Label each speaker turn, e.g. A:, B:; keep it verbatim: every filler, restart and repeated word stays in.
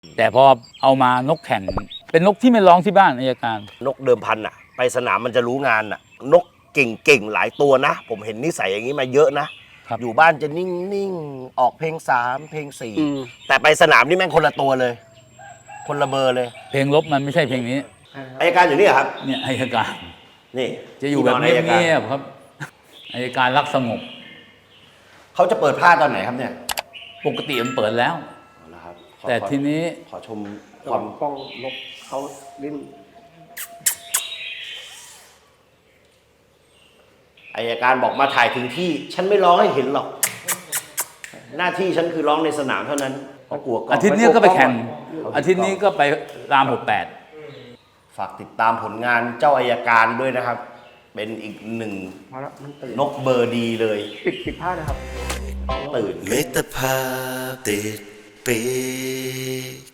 A: แต่พอเอามานกแข่งเป็นนกที่ไม่ร้องที่บ้านอัยการ
B: นกเดิมพันอ่ะไปสนามมันจะรู้งานอ่ะนกเก่งๆหลายตัวนะผมเห็นนิสัยอย่างนี้มาเยอะนะอยู่บ้านจะนิ่งๆออกเพลงสามเพลงสี่แต่ไปสนามนี่แม่งคนละตัวเลยคนละเบอร์เลย
A: เพลงลบมันไม่ใช่เพลงนี้
B: อัยการอยู่นี่ครับ
A: เนี่ยอัยการ
B: นี่
A: จะอยู่แบบเงียบๆครับอัยการรักสงบ
B: เขาจะเปิดผ้าตอนไหนครับเนี่ย
A: ปกติมันเปิดแล้วแต่ทีนี้
B: ขอชมความ
C: ป้องนกเขาลิ้น
B: อัยการบอกมาถ่ายถึงที่ฉันไม่ร้องให้เห็นหรอกหน้าที่ฉันคือร้องในสนามเท่านั้นเพราะกลัว
A: อาทิตย์นี้ก็ไปแข่งอาทิตย์นี้ก็ไปรามหกแปด
B: ฝากติดตามผลงานเจ้าอัยการด้วยนะครับเป็นอีกหนึ่งนกเบอร์ดีเลย
C: ปิดปิดผ้านะครับ
B: ตื่น
D: มิตรภาพติดปี